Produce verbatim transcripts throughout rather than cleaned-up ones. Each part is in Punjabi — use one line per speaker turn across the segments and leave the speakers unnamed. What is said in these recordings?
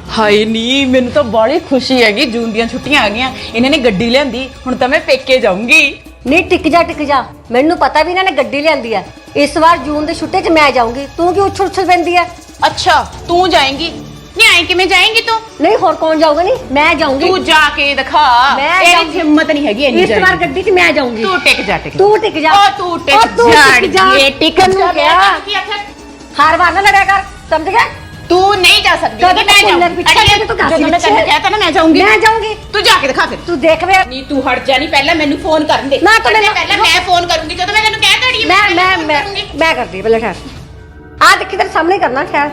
ਹਾਏ ਨੀ ਮੈਨੂੰ ਤਾਂ ਬੜੀ ਖੁਸ਼ੀ ਹੈਗੀ ਜੂਨ ਦੀਆਂ ਛੁੱਟੀਆਂ ਆ ਗਈਆਂ ਇਹਨਾਂ ਨੇ ਗੱਡੀ ਲਿਆਂਦੀ ਹੁਣ ਤਾਂ ਮੈਂ ਪੇਕੇ ਜਾਊਂਗੀ।
ਨਹੀਂ ਟਿਕ ਜਾ ਟਿਕ ਜਾ ਮੈਨੂੰ ਪਤਾ ਵੀ ਇਹਨਾਂ ਨੇ ਗੱਡੀ ਲਿਆਂਦੀ ਹੈ। ਇਸ ਵਾਰ ਜੂਨ ਦੇ ਛੁੱਟੇ 'ਚ ਮੈਂ ਜਾਊਂਗੀ ਤੂੰ ਕੀ ਉੱਛਲ ਉੱਛਲ ਪੈਂਦੀ ਹੈ।
ਅੱਛਾ ਤੂੰ ਜਾਏਂਗੀ ਨਹੀਂ ਆਏ ਕਿਵੇਂ ਜਾਏਂਗੀ ਤੂੰ?
ਨਹੀਂ ਹੋਰ ਕੌਣ ਜਾਊਗਾ ਨਹੀਂ ਮੈਂ ਜਾਊਂਗੀ।
ਤੂੰ ਜਾ ਕੇ ਦਿਖਾ ਤੇਰੀ ਹਿੰਮਤ ਨਹੀਂ ਹੈਗੀ ਇੰਨੀ
ਇਸ ਵਾਰ ਗੱਡੀ 'ਚ ਮੈਂ ਜਾਊਂਗੀ।
ਤੂੰ ਟਿਕ ਜਾ ਟਿਕ
ਤੂੰ ਟਿਕ ਜਾ
ਓ ਤੂੰ ਟਿਕ ਜਾ ਇਹ ਟਿਕ
ਨੂੰ ਕਿਹਾ ਹਰ ਵਾਰ ਨਾ ਲੜਿਆ ਕਰ ਸਮਝ ਗਿਆ।
ਤੂੰ ਨਹੀਂ ਜਾ ਸਕਦੀ
ਮੈਂ ਜਾਊਂਗੀ।
ਜਦੋਂ ਮੈਂ ਤੈਨੂੰ ਕਹਿਤਾ ਨਾ ਮੈਂ ਜਾਊਂਗੀ
ਮੈਂ ਜਾਊਂਗੀ
ਤੂੰ ਜਾ ਕੇ ਦਿਖਾ ਫਿਰ।
ਤੂੰ ਦੇਖ ਵੇ
ਨਹੀਂ ਤੂੰ ਹਟ ਜਾ ਨਹੀਂ ਪਹਿਲਾਂ ਮੈਨੂੰ ਫੋਨ ਕਰਨ ਦੇ
ਨਾ ਤੂੰ ਮੈਨੂੰ
ਪਹਿਲਾਂ ਮੈਂ ਫੋਨ ਕਰੂੰਗੀ ਜਦੋਂ ਮੈਂ ਤੈਨੂੰ ਕਹਿ ਤੜੀ
ਮੈਂ ਮੈਂ ਮੈਂ ਮੈਂ ਕਰਦੀ ਪਹਿਲਾਂ ਠਹਿਰ ਆ ਦੇਖੀ ਤੇਰੇ ਸਾਹਮਣੇ ਕਰਨਾ ਠਹਿਰ।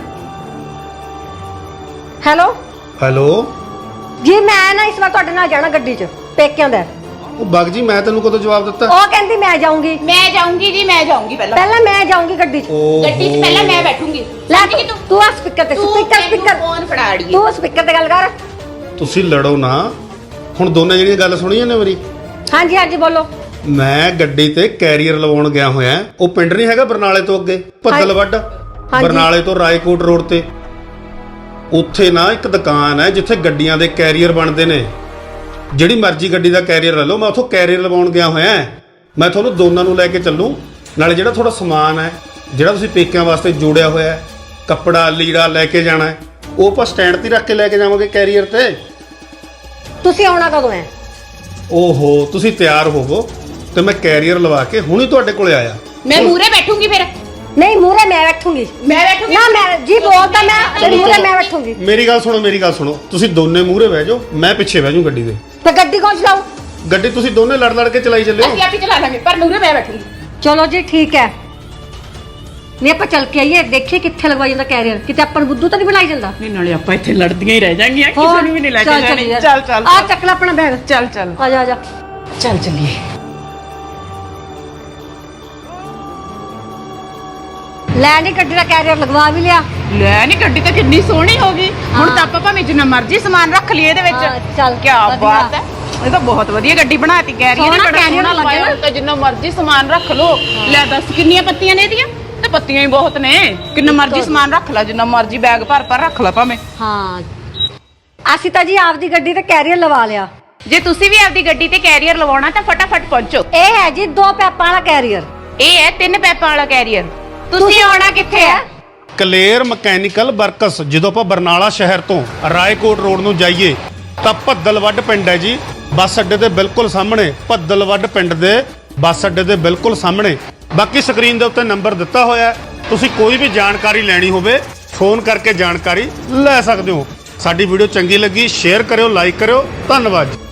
ਹੈਲੋ
ਹੈਲੋ
ਜੀ ਮੈਂ ਨਾ ਇਸ ਵਾਰ ਤੁਹਾਡੇ ਨਾਲ ਜਾਣਾ ਗੱਡੀ 'ਚ ਪੇਕਿਆਂ ਦਾ।
ਉਹ ਬਗ ਜੀ ਮੈਂ ਤੈਨੂੰ ਕਦੋਂ ਜਵਾਬ ਦਿੱਤਾ?
ਉਹ ਕਹਿੰਦੀ ਮੈਂ ਜਾਊਂਗੀ
ਮੈਂ ਜਾਊਂਗੀ ਜੀ ਮੈਂ ਜਾਊਂਗੀ ਪਹਿਲਾਂ
ਪਹਿਲਾਂ ਮੈਂ ਜਾਊਂਗੀ ਗੱਡੀ 'ਚ।
ਗੱਡੀ 'ਚ ਪਹਿਲਾਂ ਮੈਂ ਬੈਠੂੰਗੀ
ਲੈ ਤੂੰ ਤੂੰ ਆ ਸਪੀਕਰ ਤੇ ਸਪੀਕਰ ਸਪੀਕਰ
ਫੋਨ ਫੜਾ ਅੜੀਏ
ਤੂੰ ਸਪੀਕਰ ਤੇ ਗੱਲ ਕਰ।
ਤੁਸੀਂ ਲੜੋ ਨਾ ਹੁਣ ਦੋਨੇ ਜਿਹੜੀਆਂ ਗੱਲ ਸੁਣੀਆਂ ਨੇ ਮੇਰੀ।
ਹਾਂਜੀ ਹਾਂਜੀ ਬੋਲੋ।
ਮੈਂ ਗੱਡੀ ਤੇ ਕੈਰੀਅਰ ਲਵਾਉਣ ਗਿਆ ਹੋਇਆ। ਉਹ ਪਿੰਡ ਨਹੀਂ ਹੈਗਾ ਬਰਨਾਲੇ ਤੋਂ ਅੱਗੇ ਭੱਦਲਵੱਡ ਬਰਨਾਲੇ ਤੋਂ ਰਾਏਕੋਟ ਰੋਡ ਤੇ ਉੱਥੇ ਨਾ ਇੱਕ ਦੁਕਾਨ ਹੈ ਜਿੱਥੇ ਗੱਡੀਆਂ ਦੇ ਕੈਰੀਅਰ ਬਣਦੇ ਨੇ। ਜਿਹੜੀ ਮਰਜ਼ੀ ਗੱਡੀ ਦਾ ਕੈਰੀਅਰ ਲੈ ਲਓ। ਮੈਂ ਉੱਥੋਂ ਕੈਰੀਅਰ ਲਵਾਉਣ ਗਿਆ ਹੋਇਆ। ਮੈਂ ਤੁਹਾਨੂੰ ਦੋਨਾਂ ਨੂੰ ਲੈ ਕੇ ਚੱਲੂ ਨਾਲੇ ਜਿਹੜਾ ਤੁਹਾਡਾ ਸਮਾਨ ਹੈ ਜਿਹੜਾ ਤੁਸੀਂ ਪੇਕਿਆਂ ਵਾਸਤੇ ਜੋੜਿਆ ਹੋਇਆ ਹੈ ਕੱਪੜਾ ਲੀੜਾ ਲੈ ਕੇ ਜਾਣਾ ਹੈ ਉਹ ਆਪਾਂ ਸਟੈਂਡ ਤੇ ਰੱਖ ਕੇ ਲੈ ਕੇ ਜਾਵਾਂਗੇ ਕੈਰੀਅਰ ਤੇ।
ਤੁਸੀਂ ਆਉਣਾ ਕਦੋਂ ਹੈ?
ਓਹੋ ਤੁਸੀਂ ਤਿਆਰ ਹੋਵੋ ਤੇ ਮੈਂ ਕੈਰੀਅਰ ਲਵਾ ਕੇ ਹੁਣੀ ਤੁਹਾਡੇ ਕੋਲੇ ਆਇਆ।
ਮੈਂ ਮੂਰੇ ਬੈਠੂੰਗੀ ਫਿਰ।
ਨਹੀਂ ਮੂਰੇ ਮੈਂ ਬੈਠੂੰਗੀ।
ਮੈਂ ਬੈਠੂੰਗੀ
ਨਾ ਮੈਂ ਜੀ ਬੋਲਦਾ ਮੈਂ ਮੂਰੇ ਮੈਂ ਬੈਠੂੰਗੀ।
ਮੇਰੀ ਗੱਲ ਸੁਣੋ ਮੇਰੀ ਗੱਲ ਸੁਣੋ ਤੁਸੀਂ ਦੋਨੇ ਮੂਹਰੇ ਬਹਿ ਜਾਓ ਮੈਂ ਪਿੱਛੇ ਬਹਿ ਜਾਊਂ ਗੱਡੀ ਦੇ।
ਤੇ ਗੱਡੀ ਕੌਣ ਚਲਾਊ?
ਗੱਡੀ ਤੁਸੀਂ ਦੋਨੇ ਲੜ ਲੜ ਕੇ ਚਲਾਈ ਚੱਲਿਓ।
ਅਸੀਂ ਆਪੇ ਚਲਾ ਲਾਂਗੇ ਪਰ ਮੂਰੇ ਮੈਂ ਬੈਠੂੰਗੀ।
ਚਲੋ ਜੀ ਠੀਕ ਹੈ। ਨਹੀਂ ਆਪਾਂ ਚੱਲ ਕੇ ਆਈਏ ਦੇਖੀਏ ਕਿੱਥੇ ਲਗਵਾਈ ਜਾਂਦਾ ਕੈਰੀਅਰ ਕਿਤੇ ਆਪਾਂ ਨੂੰ ਬੁੱਧੂ ਤਾਂ ਨਹੀਂ ਬਣਾਈ ਜਾਂਦਾ।
ਨਹੀਂ ਨਾਲੇ ਆਪਾਂ ਇੱਥੇ ਲੜਦੀਆਂ ਹੀ ਰਹਿ ਜਾਾਂਗੀਆਂ ਕਿਸੇ ਨੂੰ ਵੀ ਨਹੀਂ ਲੈ ਕੇ ਜਾਣੀ। ਚੱਲ ਚੱਲ
ਆ ਚੱਕ ਲੈ ਆਪਣਾ ਬੈਗ।
ਚੱਲ ਚੱਲ
ਆ ਜਾ ਆ ਜਾ
ਚੱਲ ਚੱਲੀਏ।
ਲੈ ਨਹੀਂ ਗੱਡੀ ਦਾ ਕੈਰੀਅਰ ਲਗਵਾ ਵੀ ਲਿਆ।
ਲੈ ਨਹੀਂ ਗੱਡੀ ਤਾਂ ਕਿੰਨੀ ਸੋਹਣੀ ਹੋ ਗਈ ਹੁਣ ਤਾਂ ਆਪਾਂ ਭਾਵੇਂ ਜਿੰਨਾ ਮਰਜ਼ੀ ਸਮਾਨ ਰੱਖ ਲਈਏ ਇਹਦੇ ਵਿੱਚ।
ਚੱਲ
ਕੀ ਬਾਤ ਹੈ ਇਹ ਤਾਂ ਬਹੁਤ ਵਧੀਆ ਗੱਡੀ ਬਣਾਤੀ ਕੈਰੀਅਰ ਨੇ ਬੜਾ ਸੋਹਣਾ ਲੱਗਿਆ ਤਾਂ ਜਿੰਨਾ ਮਰਜ਼ੀ ਸਮਾਨ ਰੱਖ ਲੋ। ਲੈ ਦੱਸ ਕਿੰਨੀਆਂ ਪੱਤੀਆਂ ਨੇ ਇਹਦੀਆਂ ਤੇ ਪੱਤੀਆਂ ਹੀ ਬਹੁਤ ਨੇ ਕਿੰਨਾ ਮਰਜ਼ੀ ਸਮਾਨ ਰੱਖ ਲੈ ਜਿੰਨਾ ਮਰਜ਼ੀ ਬੈਗ ਭਰ ਭਰ ਰੱਖ ਲੈ ਭਾਵੇਂ।
ਹਾਂ ਅਸੀਂ ਤਾਂ ਜੀ ਆਪਦੀ ਗੱਡੀ ਤੇ ਕੈਰੀਅਰ ਲਵਾ ਲਿਆ।
ਜੇ ਤੁਸੀਂ ਵੀ ਆਪਦੀ ਗੱਡੀ ਤੇ ਕੈਰੀਅਰ ਲਵਾਉਣਾ ਤਾਂ ਫਟਾਫਟ ਪਹੁੰਚੋ।
ਇਹ ਹੈ ਜੀ ਦੋ ਪੈਪਾਂ ਵਾਲਾ ਕੈਰੀਅਰ।
ਇਹ ਹੈ ਤਿੰਨ ਪੈਪਾਂ ਵਾਲਾ ਕੈਰੀਅਰ। ਤੁਸੀਂ ਆਉਣਾ ਕਿੱਥੇ ਹੈ?
Kaler mechanical works. ਜਦੋਂ ਆਪਾਂ ਬਰਨਾਲਾ ਸ਼ਹਿਰ ਤੋਂ ਰਾਏਕੋਟ ਰੋਡ ਨੂੰ ਜਾਈਏ ਤਾਂ ਭੱਦਲਵੱਡ ਪਿੰਡ ਹੈ ਜੀ ਬੱਸ ਅੱਡੇ ਦੇ ਬਿਲਕੁਲ ਸਾਹਮਣੇ। ਭੱਦਲਵੱਡ ਪਿੰਡ ਦੇ ਬੱਸ ਅੱਡੇ ਦੇ ਬਿਲਕੁਲ ਸਾਹਮਣੇ। ਬਾਕੀ ਸਕਰੀਨ ਦੇ ਉੱਤੇ ਨੰਬਰ ਦਿੱਤਾ ਹੋਇਆ ਤੁਸੀਂ ਕੋਈ ਵੀ ਜਾਣਕਾਰੀ ਲੈਣੀ ਹੋਵੇ ਫੋਨ ਕਰਕੇ ਜਾਣਕਾਰੀ ਲੈ ਸਕਦੇ ਹੋ। ਸਾਡੀ ਵੀਡੀਓ ਚੰਗੀ ਲੱਗੀ ਸ਼ੇਅਰ ਕਰਿਓ ਲਾਈਕ ਕਰਿਓ ਧੰਨਵਾਦ।